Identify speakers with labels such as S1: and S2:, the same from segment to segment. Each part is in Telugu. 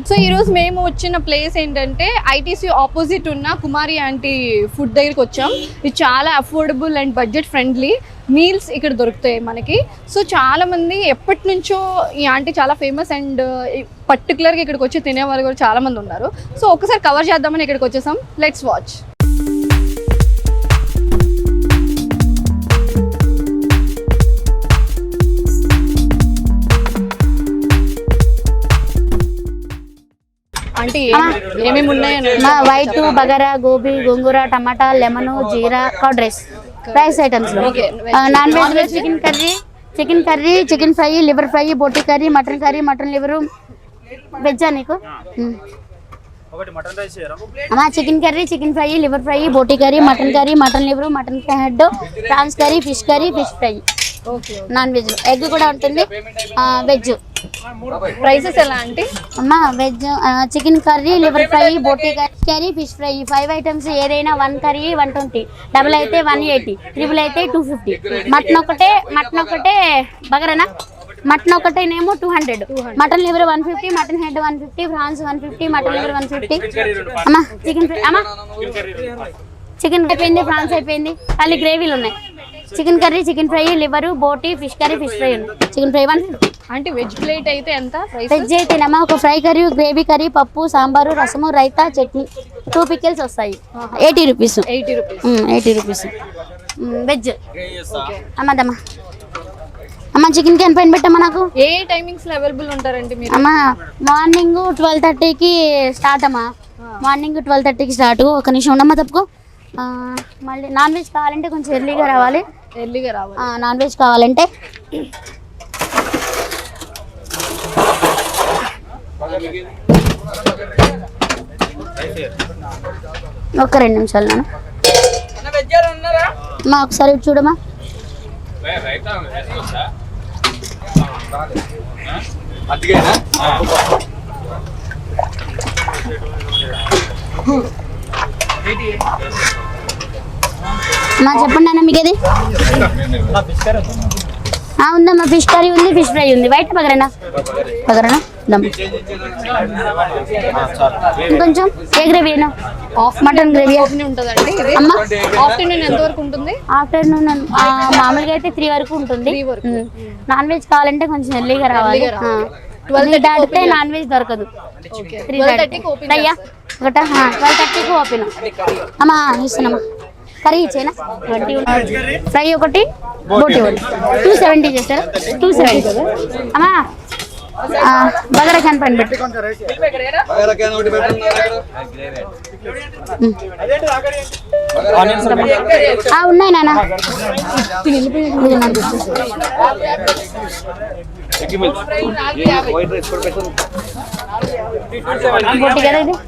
S1: సో ఈరోజు మేము వచ్చిన ప్లేస్ ఏంటంటే ఐటీసీ ఆపోజిట్ ఉన్న కుమారి ఆంటీ ఫుడ్ దగ్గరికి వచ్చాం. ఇది చాలా affordable and budget friendly meals ఇక్కడ దొరుకుతాయి మనకి. సో చాలామంది ఎప్పటి నుంచో ఈ ఆంటీ చాలా ఫేమస్ అండ్ పర్టికులర్గా ఇక్కడికి వచ్చి తినేవాళ్ళు కూడా చాలామంది ఉన్నారు. సో ఒకసారి కవర్ చేద్దామని ఇక్కడికి వచ్చేసాం. Let's watch. అంటే ఏమేమి ఉన్నాయండి?
S2: White, bagara, gobi, gongura, tomato, lemon, jeera, curd rice items లో. నాన్ వెజ్ లో chicken curry, chicken fry, liver fry, boti curry, mutton liver. వెజ్జా నీకు? Chicken curry, chicken fry, liver fry, boti curry, mutton liver, mutton head, prawns curry, fish fry. Non veg లో ఎగ్ కూడా ఉంటుంది. వెజ్
S1: ప్రైసెస్ ఎలా అంటే
S2: అమ్మా? Veg chicken curry, liver fry, boti curry, fish fry 5 items. ఏదైనా 1 కర్రీ 120, డబుల్ అయితే 180, ట్రిపుల్ అయితే 250. మటన్ ఒకటే బగరనా? మటన్ ఒకటేనేమో 200, mutton liver 150, mutton head 150, prawns 150, mutton liver 150. అమ్మా చికెన్ ఫ్రై, అమ్మా చికెన్ అయిపోయింది, ఫ్రాన్స్ అయిపోయింది, ఖాళీ గ్రేవీలు ఉన్నాయి. Chicken curry, chicken fry, liver, boti, fish curry, fish fry ఉంది. Chicken fry 150.
S1: అంటే వెజ్ ప్లేట్ అయితే ఎంత?
S2: వెజ్ అయితేనమ్మా ఒక ఫ్రై కర్రీ, గ్రేవీ కర్రీ, పప్పు, సాంబారు, రసము, రైతా, చట్నీ, 2 పికిల్స్ వస్తాయి. 80 రూపీస్. 80 rupees veg. అమ్మదమ్మా అమ్మ చికెన్ క్యాన్ పైన పెట్టమ్మా. నాకు
S1: ఏ టైమింగ్స్ లో అవైలబుల్ ఉంటారండి మీరు?
S2: అమ్మా మార్నింగ్ 12:30కి స్టార్ట్ అమ్మా. మార్నింగ్ 12:30కి స్టార్ట్. ఒక నిమిషం ఉండమ్మా తప్పుకో. మళ్ళీ నాన్ వెజ్ కావాలంటే కొంచెం ఎర్లీగా రావాలి. నాన్ వెజ్ కావాలంటే ఒక 2 నిమిషాలు నాన్న. అమ్మా ఒకసారి చూడమ్మా. మా చెప్పండి అన్న మీకు ఏది ఉందమ్మా? ఫిష్ కర్రీ ఉంది, ఫిష్ ఫ్రై ఉంది. వైట్ బగరేనా? ఇంకొంచెం ఏ గ్రేవీ? మటన్ గ్రేవీ
S1: ఉంటుందండి. ఆఫ్టర్నూన్ ఎంత వరకు ఉంటుంది?
S2: ఆఫ్టర్నూన్ మామూలుగా అయితే 3 వరకు ఉంటుంది. నాన్ వెజ్ కావాలంటే కొంచెం ఎర్లీగా రావాలి. 12 దాటితే నాన్ వెజ్ దొరకదు. 12:30కి ఓపెన్. అమ్మా ఇస్తున్నామా? కర్రీ ఇచ్చేనా? ఫ్రై ఒకటి, బోటి ఒకటి. 270 చేస్తారా? 270. అమ్మా బగారా క్యాన్ పైన పెట్టు. ఉన్నాయి నాన్న. బోటి కదా ఇది?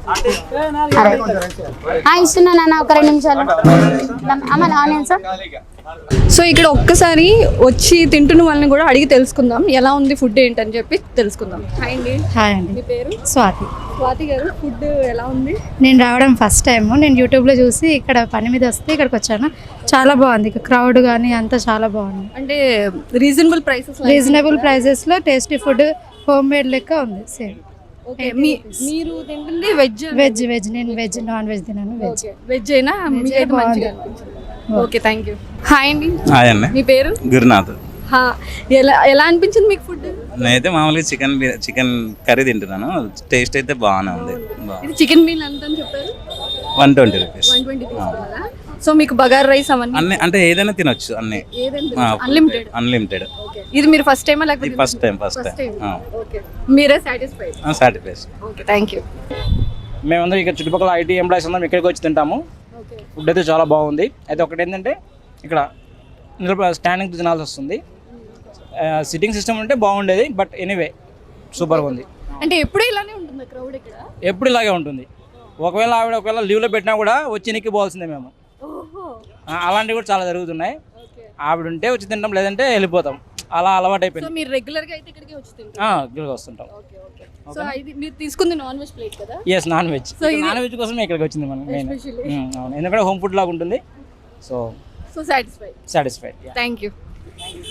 S2: ఇస్తున్నా నాన్న ఒక 2 నిమిషాలు. అమ్మ ఆనియన్స్.
S1: సో ఇక్కడ ఒక్కసారి వచ్చి తింటున్న వాళ్ళని కూడా అడిగి తెలుసుకుందాం ఎలా ఉంది ఫుడ్ ఏంటని చెప్పి తెలుసుకుందాం. హాయ్ అండి.
S3: హాయ్ అండి.
S1: మీ పేరు?
S3: స్వాతి
S1: గారు. ఫుడ్ ఎలా ఉంది?
S3: నేను రావడం ఫస్ట్ టైం. నేను యూట్యూబ్లో చూసి ఇక్కడ పని మీద వస్తే ఇక్కడికి వచ్చాను. చాలా బాగుంది. ఇక్కడ క్రౌడ్ కానీ అంతా చాలా బాగుంది.
S1: అంటే రీజనబుల్
S3: ప్రైసెస్లో టేస్టీ ఫుడ్, హోమ్ మేడ్ లెక్క ఉంది. సేమ్.
S1: ఓకే. మీరు తింటుంది వెజ్?
S3: నేను వెజ్, నాన్ వెజ్ తిన్నాను.
S1: వెజ్ అయినా ఓకే. Thank you. హాయ్ అండి.
S4: హాయ్ అండి.
S1: మీ పేరు?
S4: గురునాథ్.
S1: ఎలా అనిపించింది మీకు ఫుడ్?
S4: నేనైతే మామూలుగా చికెన్ కర్రీ తింటున్నాను. టేస్ట్ అయితే బాగానే ఉంది.
S1: చికెన్ మీల్ ఎంత అని చెప్పారు?
S4: 120 రూపీస్.
S1: 120. సో మీకు బగారా రైస్ అవన్నీ
S4: అంటే ఏదైనా తినొచ్చు అన్ని. అన్లిమిటెడ్.
S1: ఇది మీరు ఫస్ట్ టైమా లేకపోతే?
S4: First time.
S1: ఓకే. మీరే సాటిస్ఫైడ్? ఓకే. Thank you.
S5: మేమందరం ఇక్కడ చుట్టుపక్కల ఐటీ ఎంప్లాయీస్ అందరం ఇక్కడికి వచ్చి తింటాము. ఫుడ్ అయితే చాలా బాగుంది. అయితే ఒకటి ఏంటంటే ఇక్కడ స్టాండింగ్ తినాల్సి వస్తుంది. సిట్టింగ్ సిస్టమ్ ఉంటే బాగుండేది. బట్ ఎనీవే సూపర్గా ఉంది.
S1: అంటే ఎప్పుడు ఇలానే ఉంటుంది క్రౌడ్ ఇక్కడ?
S5: ఎప్పుడు ఇలాగే ఉంటుంది. ఒకవేళ లీవ్లో పెట్టినా కూడా వచ్చి ఎక్కిపోవాల్సిందే మేము. అలాంటివి కూడా చాలా జరుగుతున్నాయి. ఆవిడ ఉంటే వచ్చి తింటాం, లేదంటే వెళ్ళిపోతాం. అలా అలవాటు అయిపోయింది.
S1: మీరు రెగ్యులర్గా అయితే ఇక్కడికి వచ్చి తింటారు?
S5: వస్తుంటాం.
S1: సో ఇది మీరు తీసుకుంది నాన్ వెజ్ ప్లేట్ కదా?
S5: Yes, non veg. Non veg కోసమే ఇక్కడికి వచ్చింది మనం మెయిన్. అవును, ఎందుకంటే హోమ్ ఫుడ్ లాగా ఉంటుంది. So satisfied.
S1: Thank you.